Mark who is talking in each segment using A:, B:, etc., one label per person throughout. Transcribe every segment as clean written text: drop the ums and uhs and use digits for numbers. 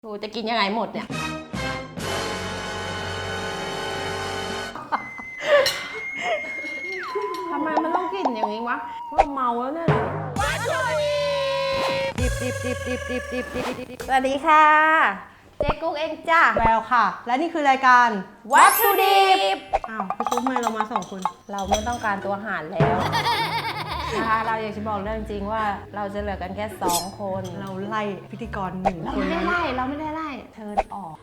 A: กูจะกินยังไงหมดเนี่ยทำไมมันต้องกินอย่างนี้วะเราเมาแล้วเนี่ยสวัสดีค่ะเจ๊กุ๊กเองจ้า
B: แววค่ะ และนี่คือรายการ
A: วัตถุดิบ
B: อ้าวพี่กุ๊กทำไมเรามา2 คน
A: เราไม่ต้องการตัวหารแล้วนะคะเราอยากจะบอกเรื่องจริงว่าเราจะเหลือกันแค่2 คน
B: เราไล่พิธีกร1
A: เรา
B: คน
A: ไม่ได้ไล่เราไม่ได้ไล่เทิร์นออก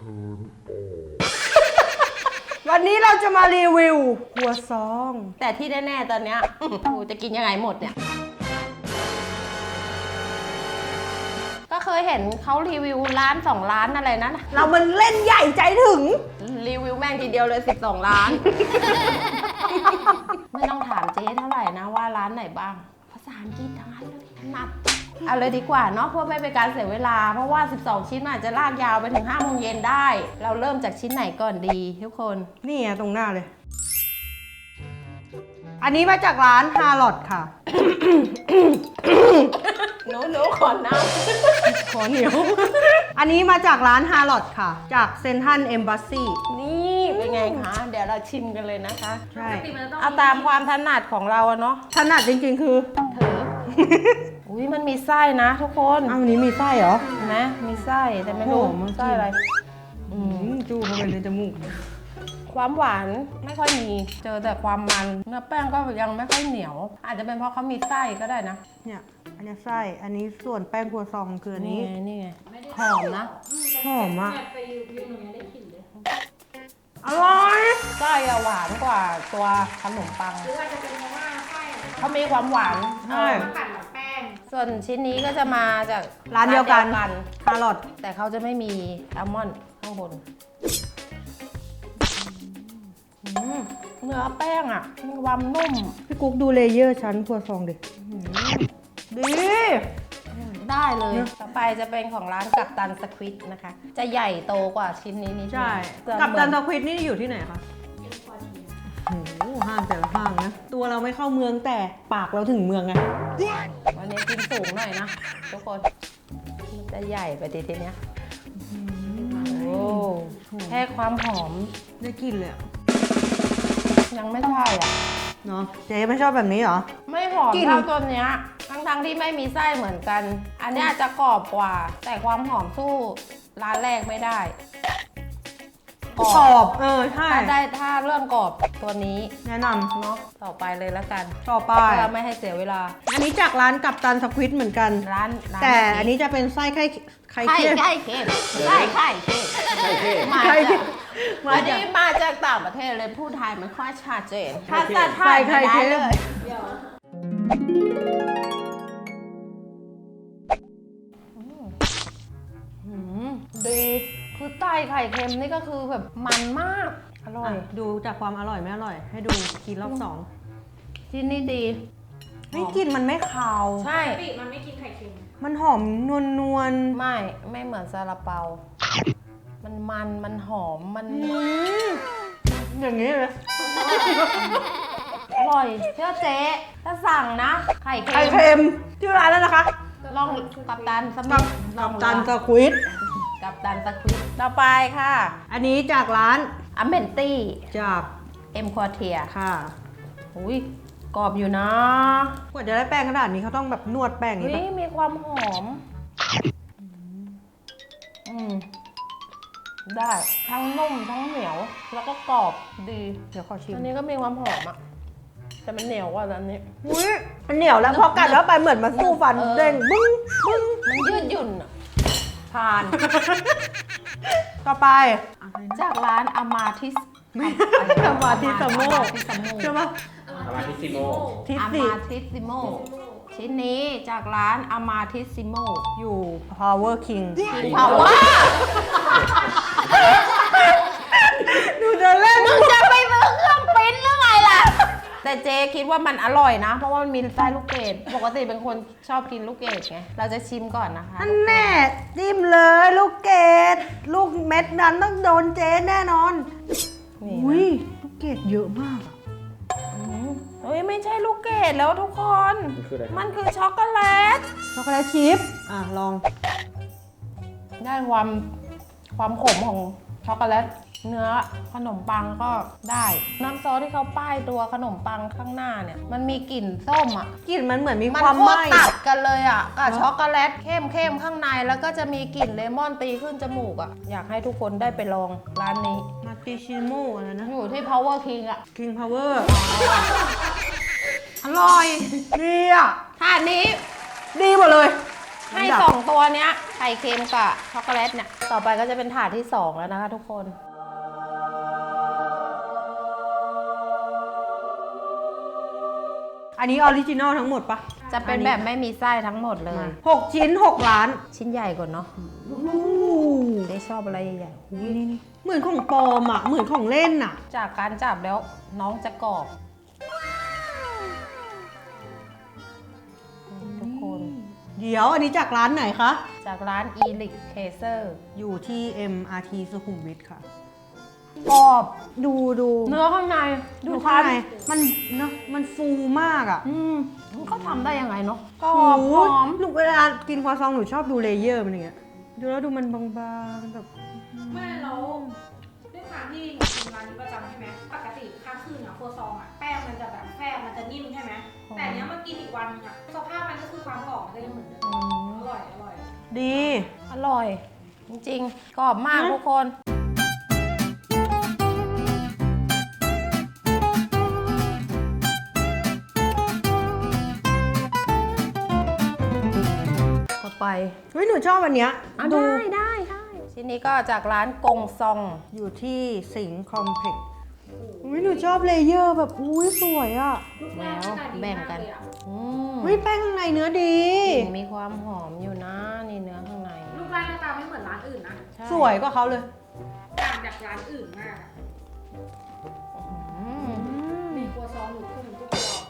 B: วันนี้เราจะมารีวิวครัวซอง
A: แต่ที่แน่ๆตอนเนี้ยกูจะกินยังไงหมดเนี่ยก็เคยเห็นเขารีวิวร้าน2 ร้านอะไรนะ
B: เรามันเล่นใหญ่ใจถึง
A: รีวิวแม่งทีเดียวเลย12 ล้าน ไม่ต้องถามเจ๊เท่าไหร่นะว่าร้านไหนบ้างภาษาอังกฤษทั้งนั้นเลยถนัดเอาเลยดีกว่าเนาะเพื่อไม่เป็นการเสียเวลาเพราะว่า12 ชิ้นมันอาจจะลากยาวไปถึง5 โมงเย็นได้ เราเริ่มจากชิ้นไหนก่อนดีทุกคน
B: นี่ไงตรงหน้าเลย อันนี้มาจากร้านฮาร์ลอดค่ะ
A: หนูขอน้
B: ขอเหนียว อันนี้มาจากร้านฮาร์ลอดค่ะ จากเซนทรัลเอมบ s สซี
A: ำนี่เป็นไงคะเดี๋ยวเราชิมกันเลยนะคะ
B: ใช่
A: เอาตามความถนัดของเราอะเนาะ
B: ถนัดจริงๆคือ
A: ถือ อุ้ยมันมีไส้นะทุกคน
B: อ้าววันนี้มีไส้เหรอ
A: เห็นไหมมีไส้แต่ไม่รู้
B: โอ้โหมันกิน
A: ไส้อะไร
B: จู้เข้าไปในจมูก
A: ความหวานไม่ค่อยมี เจอแต่ความมันเนื้อแป้งก็ยังไม่ค่อยเหนียว อาจจะเป็นเพราะเขามีไส้ก็ได้นะ
B: เนี่ย อันนี้ไส้ อันนี้ส่วนแป้งครัวซองคืออันนี้
A: นี่ไงหอมนะ
B: หอมอ่ะ
C: ไปยืนตรงนี้ได้กลิ่นเลย
B: อร่อย
A: ไส้อะหวานกว่าตัวขนมปัง
C: หรือว่าจะเป็นเพราะว่าไส้
A: เขามีความหวาน
B: ใช่
C: มากัดกับแป้ง
A: ส่วนชิ้นนี้ก็จะมาจาก
B: ร้านเดียวกันฮาร์ลอด
A: แต่เขาจะไม่มีอัลมอนด์ข้างบนเนื้อแป้งอ่ะมีความนุ่ม
B: พี่กุ๊กดูเลเยอร์ชั้นครัวซองดิดี
A: ได้เลย ต่อไปจะเป็นของร้านกัปตันสควิดนะคะ จะใหญ่โตกว่าชิ้นนี้นิดนึง
B: ใช่
A: เกือบ
B: กับ
A: เหมื
B: ตั
A: อน
B: นตะควิดนี่อยู่ที่ไหนคะโอ้โหห้างแต่ละห้างนะ ตัวเราไม่เข้าเมืองแต่ปากเราถึงเมืองไง
A: วันนี้กินสูงหน่อยนะ ทุกคนมันจะใหญ่ไปทีเนี้ยโอ้แค่ความหอม
B: ได้กลินเลยอะ
A: ยังไม่ใช่อ่ะ
B: เนาะเจ๊ไม่ชอบแบบนี้เหรอ
A: ไม่หอม
B: กลิ่น
A: เท่าตัวเนี้ยทั้งที่ไม่มีไส้เหมือนกัน อันเนี้ยจะกรอบกว่า แต่ความหอมสู้ร้านแรกไม่ได้
B: กรอบใช่
A: ถ้าเรื่องกรอบตัวนี้
B: แนะน
A: เนาะต่อไปเลยแล้วกัน
B: ำต่อไป
A: เพื่อไม่ให้เสียเวลา
B: อันนี้จากร้านกับตันสควิดเหมือนกัน
A: ร้าน
B: แต่อันนี้จะเป็นไส้ไข่
A: ไข่
B: เค็ม
A: ไข่เค็มไข่ไข่เค็มมา
B: ไข่
A: จาก
B: มา
A: อัน
B: จาก
A: นี้มาจากต่างประเทศเลยพูดไทยไม่ค่อยชัดเจนภาษาไทย
B: ไข่
A: ไม่ได้
B: เค็ม
A: เลย
C: เดี๋ยว
A: ดีคือไส้ไข่เค็มนี่ก็คือแบบมันมากอร่อย
B: ดูจากความอร่อยไม่อร่อย ให้ดูกินรอบสอง
A: ที่นี่ดี
B: ไม่กลินมันไม่คาว
A: ใช่
C: ปีมันไม่กินไข่เค็ม
B: มันหอมนวล
A: ไม่เหมือนซาลาเปา มันหอมมัน
B: ๆอย่างนี้เลย
A: อร่อยเชื่อเจ๊ถ้าสั่งนะไข่
B: ไข่
A: เค็ม
B: เค็มที่ร้านแล้วนะคะ
A: ลองกับตันส
B: กั
A: มิ
B: บ
A: ธล
B: กั
A: อง
B: บตัน
A: ดู
B: สควิด
A: กับตันสควิดต่อไปค่ะ
B: อันนี้จากร้าน
A: อเมนตี้
B: จาก
A: เอ็มควอเทีย
B: ค่ะ
A: อุ้ยกรอบอยู่นะ
B: กว่าจะได้แป้งขนาดนี้เขาต้องแบบนวดแป้งอย่าง
A: อุ้
B: นี้
A: ย
B: ปะ
A: มีความหอมได้ทั้งนุ่มทั้งเหนียว แล้วก็กรอบดี
B: เดี๋ยวขอชิม
A: อันนี้ก็มีความหอมอะแต่มันเหนียวกว่าอันนี้
B: อุ้ยมันเหนียวแล้วพอกัดแล้วไปเหมือนมันสู้ฟัน
A: เออ
B: เด้งบึ้งบึ้ง
A: มันยืดหยุ่นอะผ่าน
B: ต่อไป
A: จากร้านอามาทิส
B: อามาทิสโมใช่ปะ
C: อามาทิซิโม
B: ทิส
A: อา
B: สิ
A: มาทิสซิโมชิ้นนี้จากร้านอามาทิสซิโม
B: อยู่ Power King
A: เพราะว่า
B: ดูเดินเล่น
A: มึงจะไปซื้อเครื่องปริ้นหรือไงล่ะ แต่เจคิดว่ามันอร่อยนะ เพราะว่ามันมีไส้ลูกเกดปกติเป็นคนชอบกินลูกเกดไง เราจะชิมก่อนนะคะ
B: อันแน่จิ้มเลยลูกเกดลูกเม็ดนั้นต้องโดนเจ๊แน่นอน
A: นี่
B: อุ้ย
A: นะ
B: ลูกเกดเยอะมากอะ
A: เฮ้ยไม่ใช่ลูกเกดแล้วทุกคน มันคือช็อกโกแลต
B: ช็อกโกแลตชิพลอง
A: ได้ความความขมของช็อกโกแลตเนื้อขนมปังก็ได้น้ำซอสที่เขาป้ายตัวขนมปังข้างหน้าเนี่ยมันมีกลิ่นส้มอ่ะ
B: กลิ่นมันเหมือนมี
A: มัน
B: ความ
A: โค
B: ไห
A: ต
B: ม้
A: รตัดกันเลยอ่ะกับช็อกโกแลตเข้มข้างในแล้วก็จะมีกลิ่นเลมอนตีขึ้นจมูกอ่ะอยากให้ทุกคนได้ไปลองร้านนี้
B: มาติชิโมอะไรนะ
A: อยู่ที่ Power King อ่ะ
B: King Power
A: อร่อย
B: ดีอ่ะ
A: ถาดนี้
B: ดีหมดเลย
A: ให้2ตัวเนี้ยไข่เค็มกับช็อกโกแลตเนี่ยต่อไปก็จะเป็นถาดที่2แล้วนะคะทุกคน
B: อันนี้ออริจินอลทั้งหมดปะ
A: จะเป็นแบบไม่มีไส้ทั้งหมดเลย
B: 6 ชิ้น 6 ล้าน
A: ชิ้นใหญ่กว่าเนาะได้ชอบอะไรใหญ่ๆอุ๊ยนี่
B: เหมือนของปลอมอ่ะ เหมือนของเล่นอ่ะ
A: จากการจับแล้วน้องจะกรอบทุกคน
B: เดี๋ยวอันนี้จากร้านไหนคะ
A: จากร้าน e l i x c a s e r
B: อยู่ที่ MRT สุขุมวิทค่ะ
A: กรอบ
B: ดู
A: เนื้อข้างใน
B: ดูข้างในมันเนอะมันฟูมากอ่ะ
A: เขาทำได้ยังไงเนาะกร
B: ห
A: อบหอม
B: หนูเวลากินครัวซองหนูชอบดูเลเยอร์มันอย่างเงี้ย ดูแล้วดูมันบางๆแบบ
C: ไม่แล้วด้วยความที่หนูกินร้านนี้ประจำใช่ไหมปกติข้างคืนอะครัวซองอะแป้งมันจะแบบแป้งมันจะนิ่มใช่ไหมแต่อันเนี้ยมากินอีกวันนึงอะสภาพมันก็คือความกรอบมันก็ยังเหมือนเดิมอร่อย
B: ดี
A: อร่อย จริงๆ กรอบมากทุกคน ต่อไป
B: เฮ้ยหนูชอบอันเนี้ย ดู
A: ได้ชิ้นนี้ก็จากร้านกงซอง
B: อยู่ที่สิงห์คอมเพล็กซ์อุ้ยหนูชอบเลเยอร์แบบอุ้ยสวยอ่ะ
C: ลูกแป้งหน้าตาดี
A: แบ่ง
C: มาก
A: กัน
C: เลยอะ
B: เฮ้ยแป้งข้างในเนื้อดี
A: มีความหอมอยู่นะนี่เนื้อข้างใน
C: ลูกแป้งหน้าตาไม่เหมือนร้านอื่นนะ
A: ใช่
B: สวยกว่าเขาเลย
C: ต่างจากร้านอื่นมากอะ
A: อืม
C: มีครัวซองหนูขึ้นทุกตัว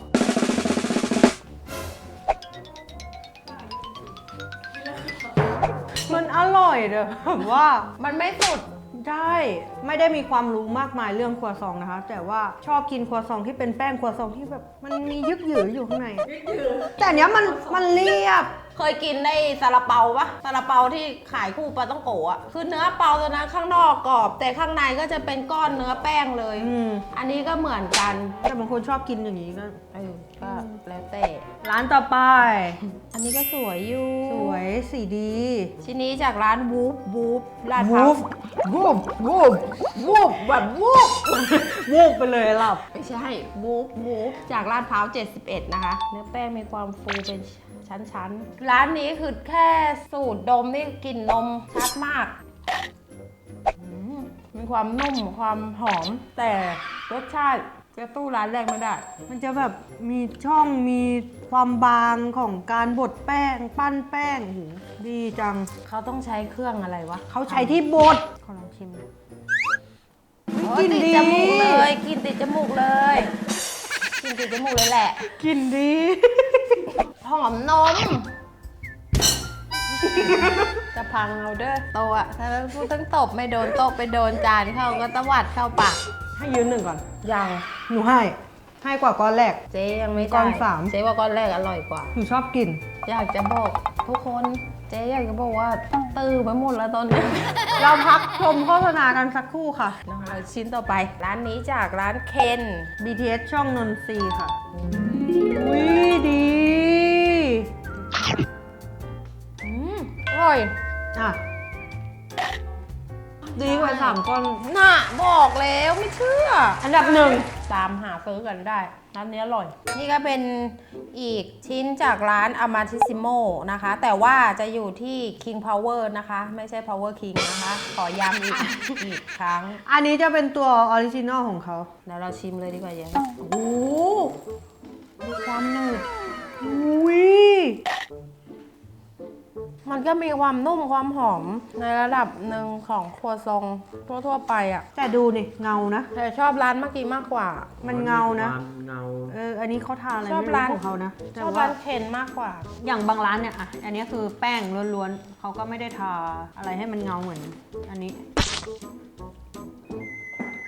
B: มันอร่อยเด้อแบบว่า
A: มันไม่สุด
B: ได้ไม่ได้มีความรู้มากมายเรื่องครัวซองนะคะ แต่ว่าชอบกินครัวซองที่เป็นแป้งครัวซองที่แบบมันมียึกหยืออยู่ข้างใน แต่อันเนี้ยมันเรียบ
A: เคยกินในซาลาเปาปะซาลาเปาที่ขายคู่ปลาต้องโกะอะคือเนื้อเปาตัวนั้นข้างนอกกรอบ แต่ข้างในก็จะเป็นก้อนเนื้อแป้งเลย อันนี้ก็เหมือนกัน
B: แต่บางคนชอบกินอย่างนี้ก็
A: ก็แล้วแต่
B: ร้านต่อไป
A: อันนี้ก็สวยอยู่
B: สวยสีดี
A: ชิ้นนี้จากร้านวูฟลาดพ
B: วู
A: ร้าว
B: ฟวูฟ
A: แบบวูฟ
B: วูฟไปเลยหลับ
A: ไม่ใช่วูฟจากลาดพร้าว 71 นะคะ เนื้อแป้งมีความฟูเป็นชั้นๆ ร้านนี้คือแค่สูตรดมนี่กลิ่นนมชัดมากมีความนุ่มความหอม แต่รสชาติจะสู้ร้านแรกไม่ได้
B: มันจะแบบมีช่องมีความบางของการบดแป้งปั้นแป้งโอ้โหดีจัง
A: เขาต้องใช้เครื่องอะไรวะ
B: เขาใช้ที่บดขอลองชิม
A: โอ้ย
B: กลิ่น
A: ติด
B: ดี
A: จมูกเลยกลินติดจมูกเลยกลินติดจมูกเลยแหละ
B: กลิ่นดี
A: หอมนม จะพังเอาเด้อโตอะถ้าพูดทั้งตบไม่โดนโตบไปโดนจานเข้าก็ตวัดเข้าปาก
B: ให้ยืนหนึ่งก่อน
A: ยัง
B: หนูให้กว่าก้อนแรก
A: เจ๊ยังไม่ได้
B: ก้อนสาม
A: เจ๊ว่าก้อนแรกอร่อยกว่า
B: หนูชอบกิน
A: อยากจะบอกทุกคนเจ๊อยากจะบอกว่าตื้อไปหมดแล้วตอนนี้
B: เราพักชมโฆษณากันสักครู่ค่ะ
A: นะคะชิ้นต่อไป ร้านนี้จากร้านเคน
B: BTS ช่องนนทรีย์ค่ะอุ้ยดี
A: อร่อย
B: อ่ะ ดีกว่า3 ก้อน
A: น่ะบอกแล้วไม่เชื่อ
B: อันดับหนึ่ง
A: ตามหาซื้อกันได้ ร้านนี้อร่อย นี่ก็เป็นอีกชิ้นจากร้าน Amatissimo นะคะ แต่ว่าจะอยู่ที่ King Power นะคะ ไม่ใช่ Power King นะคะ ขอย้ำอีกครั้ง
B: อันนี้จะเป็นตัวออริจินอลของเขา
A: เดี๋ยวเราชิมเลยดีกว่าเยัง
B: โอ้โหมีความหนึบอุ้ย
A: มันก็มีความนุ่มความหอมในระดับหนึ่งของครัวซองทั่วๆไปอ่ะ
B: แต่ดูนี่เงานะ
A: แต่ชอบร้านเมื่อกี้มากกว่า
B: มันเงานะ
C: เงา
B: อันนี้เขาทาอะไร
A: ชอบ
B: ไม่
A: ร้าน
B: รู้ของเขานะ
A: ช
B: แต่
A: อบ
B: ว่า
A: ร้านเคนมากกว่า
B: อย่างบางร้านเนี่ยอ่ะอันนี้คือแป้งล้วนๆเขาก็ไม่ได้ทาอะไรให้มันเงาเหมือนอันนี้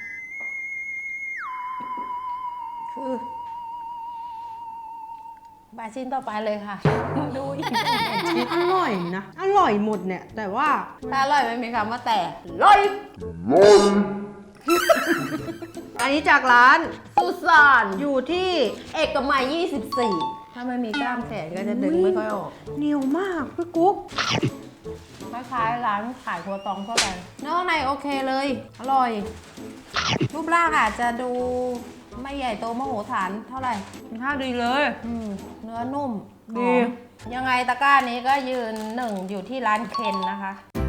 A: คือ บไปชิ้นต่อไปเลยค่ะ ดูอีก
B: ชีสอร่อยนะ อร่อยหมดเนี่ย แต่ว่า
A: ถ้าอร่อยไม่มีคำว่าแต่อร่อย
B: อันนี้จากร้าน
A: สุสาน
B: อยู่ที่
A: เอกมัย 24 ถ้าไม่มีกล้ามแขนก็จะดึงไม่ค่อยออก
B: เหนียวมากพี่กุ๊ก
A: คล้ายๆร้านขายครัวตองทั่วไปเนื้อข้างในโอเคเลย อร่อย รูปร่างอาจจะดูไม่ใหญ่โตมโหฬารเท่าไหร่
B: ท่าดีเลย
A: เนื้อนุ่ม
B: ดี
A: หอมยังไงตะกร้านี้ก็ยืนหนึ่งอยู่ที่ร้านเคนนะคะ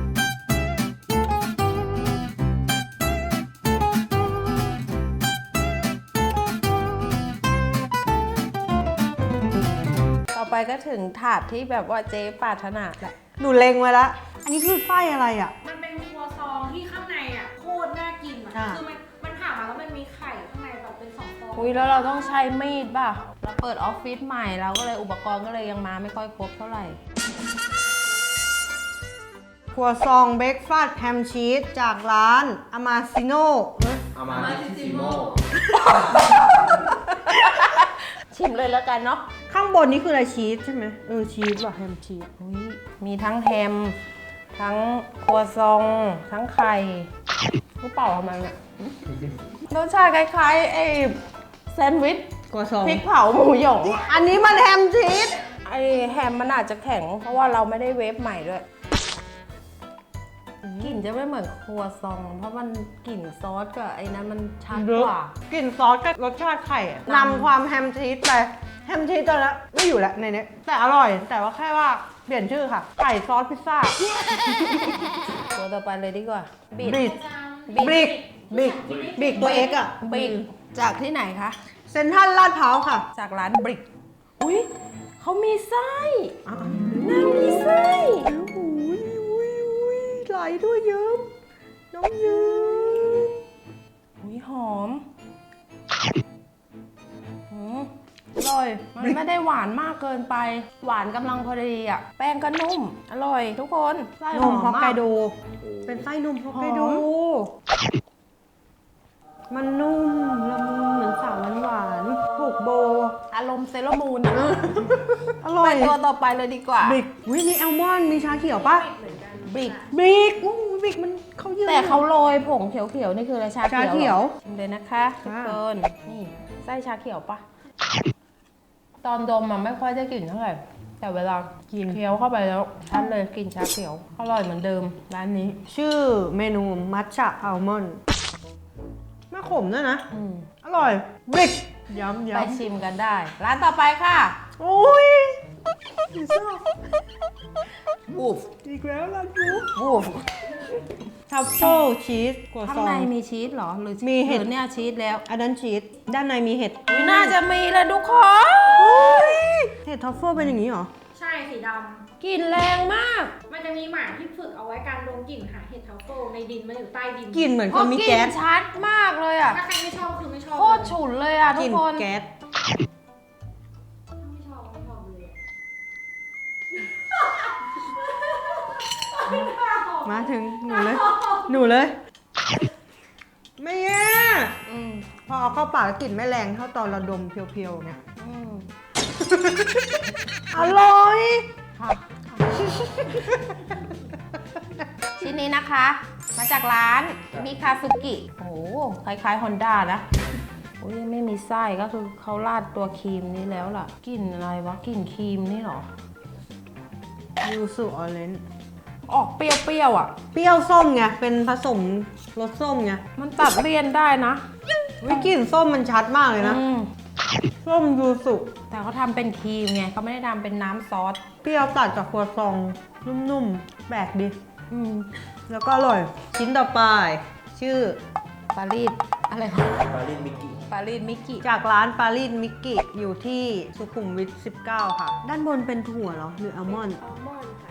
A: ต่อไปก็ถึงถาดที่แบบว่าเจ๊ปรารถนาแหละ
B: หนูเล็งไว้ละ อันนี้คือไส้อะไรอ่ะ
C: มันเป็นครัวซองที่ข้างในอ่ะโคตรน่ากินอ่ะ
B: อ่ะ
C: คือมันผ่ามาแล้วมันมีไข่ข้างในแบบเป็น2 ฟอง
A: อุ้ยแล้วเราต้องใช้มีดป่ะ เราเปิดออฟฟิศใหม่เราก็เลยอุปกรณ์ก็เลยยังมาไม่ค่อยครบเท่าไหร่
B: ครัวซองเบรกฟาสต์แฮมชีสจากร้านอามาซิโน
D: อามาทิซิโม
A: ชิมเลยแล้วกันเนาะ
B: ข้างบนนี้คืออะไรชีสใช่ไหมชีสว่ะแฮมชีส
A: อุ๊ยมีทั้งแฮม ทั้งครัวซอง ทั้งไข่กูเป่าทำไมเนี่ยรสชาติคล้ายๆไอ้แซนด์วิช
B: ครัวซอง
A: พริกเผาหมูหยอง
B: อันนี้มันแฮมชีส
A: ไอ้แฮมมันอาจจะแข็ง เพราะว่าเราไม่ได้เวฟใหม่ด้วยกลิ่นจะไม่เหมือนครัวซอง เพราะมันกลิ่นซอสกับไอ้นั้นมันชัดกว่า
B: กลิ่นซอสกับรสชาติไข่อะนำความแฮมชีสไปแฮมชีสตอนนี้ไม่อยู่แล้วในนี้แต่อร่อย แต่ว่าแค่ว่าเปลี่ยนชื่อค่ะ ไก่ซอสพิซซ่า
A: ตัวต่อไปเลยดีกว่าบิด
B: บริก
A: บิ
B: บริกบริกตัวเอ็กอะ
A: บิดจากที่ไหนคะ
B: เซ็นทรัลลาดพร้าวค่ะ
A: จากร้านบริก อุ้ยเขามีไส้
B: อ้าว
A: นางมีไส้
B: อุ้ยไหลด้วยเยิ้มน้องเยิ้ม
A: อุ้ยหอมอร่อย มันไม่ได้หวานมากเกินไป หวานกำลังพอดีอ่ะ แป้งก็นุ่ม อร่อยทุกคนไส้ห
B: น
A: อ
B: ม
A: ม
B: ฮอกไก
A: มาก
B: โด เป็นไส้นมฮอกไกโด
A: หอ
B: มันนุ่มละมุนเหมือนสาวหวานๆผูกโบ
A: อารมณ์เซรามูนอ่ะ
B: อร่อ
A: ไป
B: ย
A: ตัวต่อไปเลยดีกว่า
B: บริกอุ้ยมีแอลมอนด์มีชาเขียวปะ
A: บริก
B: บริกอู้บริกมันเขาเยอะ
A: แต่เขาโรยผงเขียวๆ นี่คืออะไรชา
B: ชาเขียว
A: ชิมเลยนะคะทุกคนนี่ไส้ชาเขียวปะตอนดมมันไม่ค่อยได้กลิ่นเท่าไหร่ แต่เวลากินเคี้ยวเข้าไปแล้วชัดเลยกลิ่นชาเขียว อร่อยเหมือนเดิมร้านนี้
B: ชื่อเมนูมัทฉะอัลมอนด์ไม่ขมด้วยนะ
A: อืม
B: อร่อยบริกย้ำ
A: ไปชิมกันได้ ร้านต่อไปค่ะ
B: โอ้ยชอบ
A: บูฟ
B: อีกแล้วล่ะยู
A: บูฟ
B: ทัฟเฟิลชีสกัว
A: ข้าง
B: ซอง
A: ในมีชีสเหรอ หรือ
B: มีเห็ด
A: หรือเนี่ยชีสแล้ว
B: อันนั้นชีสด้านในมีเห็ด
A: อุ๊ยน่าจะมีเลยทุกคน
B: เห็ดทัฟเฟิลเป็นอย่างนี้เหรอ
C: ใช่สีด
A: กลิ่นแรงมาก
C: ำมันจะมีหมาที่ฝึกเอาไว้การดมกลิ่นหาเห็ดทัฟเฟิลในดินมันอยู่ใต้ดิน
B: กลิ่นเหมือน
A: เพ
B: คน
A: ราะ
B: มี
A: กลิ่
B: แก๊
A: น
B: ส
A: ชัดมากเลยอ่ะ
C: ถ้าใครไม่ชอบคือไม่ชอบ
A: โคตรฉุนเลยอ่ะ
B: ก
A: ทุ
B: ลิ่
A: ก
B: น
A: คน
B: แก๊ส
C: ไม่ชอบเลยอะ
B: มาถึงหนูเลย หนูเลย ไม่แย่
A: อืม
B: พอเอาเข้าปากแล้วกลิ่นไม่แรงเท่าตอนเราดมเพียวๆไง
A: อืม
B: อร่อย
A: ค่ะชิ้นนี้นะคะ มาจากร้านมิคาซุกิ โอ้โหคล้ายๆฮอนด้านะอุ้ยไม่มีไส้ก็คือเขาราดตัวครีมนี้แล้วล่ะกลิ่นอะไรวะกลิ่นครีมนี่เหรอ
B: ยูสุออเรนจ์
A: ออกเปรี้ยวๆอ่ะ
B: เปรี้ยวส้มไง เป็นผสมรสส้มไง
A: มันตัดเลี่ยนได้นะ
B: วิกลิ่นส้มมันชัดมากเลยนะ
A: อืม
B: ส้มยูสุ
A: แต่เขาทำเป็นครีมไงเขาไม่ได้ทำเป็นน้ำซอส
B: เปรี้ยวตัดกับครัวซองนุ่มๆ แปลกดี
A: อืม
B: แล้วก็อร่อย ชิ้นต่อไป ชื่อ
A: ปารีสอะไรวะ
D: ปาลินมิกกี้
A: ปารีสมิกิ
B: จากร้านปารีสมิกกี้อยู่ที่สุขุมวิท 19 ค่ะ ด้านบนเป็นถั่วเหรอ หรืออัลมอนด์
C: อัลมอนด์ค่ะ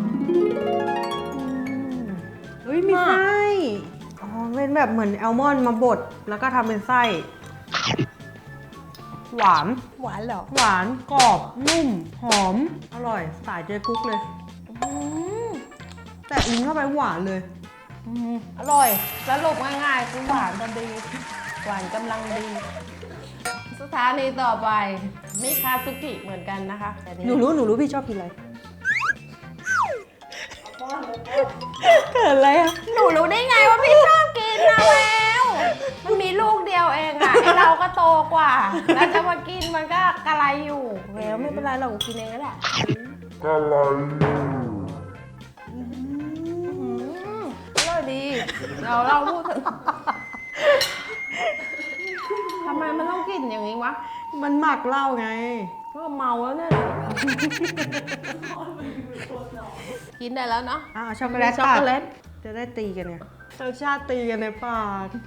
B: เฮ้ย มีไส้ อ๋อ เป็นแบบเหมือนอัลมอนด์มาบด แล้วก็ทำเป็นไส้ หวาน
A: หวานเหรอ
B: หวานกรอบ นุ่ม หอม อร่อย สายเจกุ๊กเลย
A: อืม
B: แต่ลิ้นเข้าไปหวานเลย
A: อร่อยสรุปง่ายๆคือหวานกันดี หวานกำลังดี สถานีต่อไปมิคาซุกิเหมือนกันนะคะแต่
B: หนูรู้พี่ชอบกินอะไร
C: ป้อนเลย
B: เกิดอะไรอะ
A: หนูรู้ได้ไงว่าพี่ชอบกินนะแววมันมีลูกเดียวเองอะไอเราก็โตกว่า แล้วจะมากินมันก็กระไรอยู่แววไม่เป็นไรเรากินเองก็ได้อร่อยดีเราพูดถึงทำไมมันต้องกินอย่างนี้วะ
B: มันหมักเหล้าไง
A: ก็เมาแล้วเนี่ยกินได้แล้วเนาะ
B: ช็อกโกแลต
A: ช็อกโกแลต
B: จะได้ตีกันไงรสชาติตีกันในปาก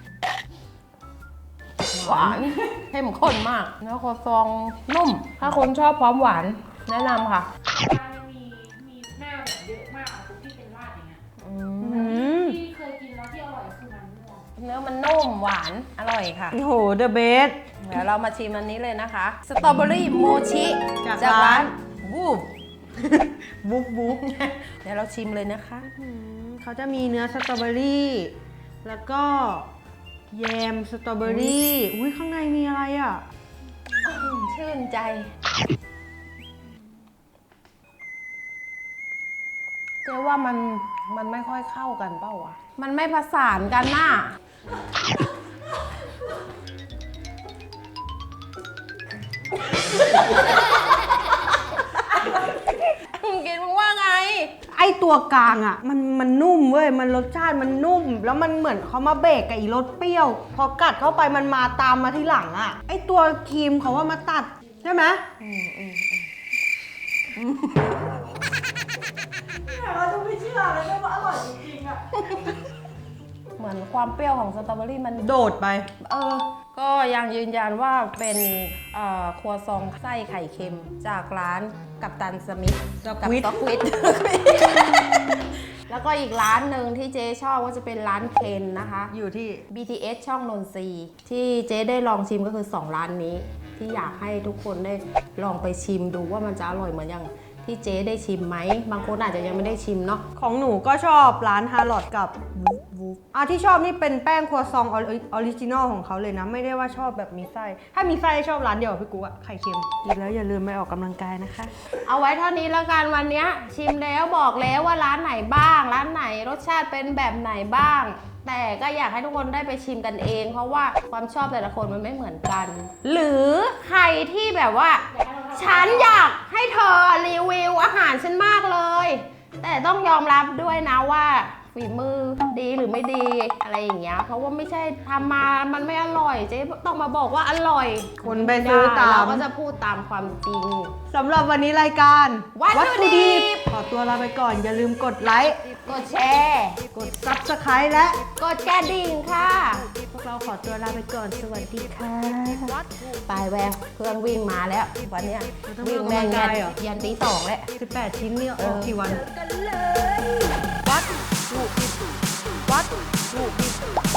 A: หวานเข้มข้นมากแล้วคอซองนุ่ม ถ้าคนชอบความหวานแนะนำค่ะ
C: ร้านมีหน้าแบบเยอะมากอะทุกที่เป็นราดอย่างเงี้ย ที่เคยกินแล้วที่อร่อยคือมันม่วง
A: เนื้อมันนุ่มหวานอร่อยค่ะ
B: โอ้โห เดอะเบส
A: เดี๋ยวเรามาชิมอันนี้เลยนะคะ สตรอเบอรี่โมชิ
B: จากร้าน
A: วูบ
B: บุ๊บ
A: เดี๋ยวเราชิมเลยนะคะ
B: เขาจะมีเนื้อสตรอเบอรี่ แล้วก็แยมสตรอเบอรี่ อุ้ยข้างในมีอะไรอ่ะ
A: ชื่นใจ เจ๊ว่ามันไม่ค่อยเข้ากันเปล่าวะ มันไม่ผสานกันน่ะ กินมึงว่าไง
B: ไอตัวกลางอ่ะ มันนุ่มเว้ย มันรสชาติมันนุ่ม แล้วมันเหมือนเขามาเบรกกับอีรสเปรี้ยว พอกัดเข้าไปมันมาตามมาที่หลังอ่ะ ไอตัวครีมเขาว่ามาตัด ใช่ไหม
C: เราจะไม่เชื่อเลยว่าอร่อยจริงๆอ่ะ
A: เหมือนความเปรี้ยวของสตรอเบอรี่มัน
B: โดดไป
A: ก็ยังยืนยันว่าเป็นครัวซองไส้ไข่เค็มจากร้านกัปตันสมิธกับ
B: Squid
A: ซ็อกวิท แล้วก็อีกร้านหนึ่งที่เจ๊ชอบก็จะเป็นร้านเคนนะคะ
B: อยู่ที่
A: BTS ช่องนนทรีย์ที่เจ๊ได้ลองชิมก็คือ 2 ร้านนี้ ที่อยากให้ทุกคนได้ลองไปชิมดูว่ามันจะอร่อยเหมือนอย่างที่เจ๊ได้ชิมไหม บางคนอาจจะยังไม่ได้ชิมเนาะ
B: ของหนูก็ชอบร้านฮาร์ลอดกับวูฟที่ชอบนี่เป็นแป้งครัวซองออริจินอลของเขาเลยนะ ไม่ได้ว่าชอบแบบมีไส้ ถ้ามีไส้ชอบร้านเดียวกับพี่กูอะไข่เค็มกินแล้วอย่าลืมไปออกกำลังกายนะคะ
A: เอาไว้เท่านี้แล้วกันวันนี้ชิมแล้วบอกแล้วว่าร้านไหนบ้าง ร้านไหนรสชาติเป็นแบบไหนบ้าง แต่ก็อยากให้ทุกคนได้ไปชิมกันเอง เพราะว่าความชอบแต่ละคนมันไม่เหมือนกัน หรือใครที่แบบว่า ฉันอยากให้เธอรีวิวอาหารฉันมากเลย แต่ต้องยอมรับด้วยนะว่าฝีมือดีหรือไม่ดีอะไรอย่างเงี้ย เพราะว่าไม่ใช่ทำมามันไม่อร่อยเจ๊ต้องมาบอกว่าอร่อย
B: คนไปซื้อตาม
A: เราก็จะพูดตามความจริง
B: สำหรับวันนี้รายการ
A: วัตถุดิบ
B: ขอตัวลาไปก่อน อย่าลืมกดไลค์
A: กดแชร์
B: กด Subscribe และ
A: กดกระดิ่งค่ะ
B: พวกเราขอตัวลาไปก่อน สวัสดีค่ะ
A: ไปแววเครื่องวิ่งมาแล้ววันเนี้ย
B: ต้อง
A: วิ่ง
B: ออก
A: แม่ง
B: กำลังกายเหรอ
A: ยันตี 2แล้ว
B: 18 ชิ้นนี่ออกกี่วัน
A: วัดลูก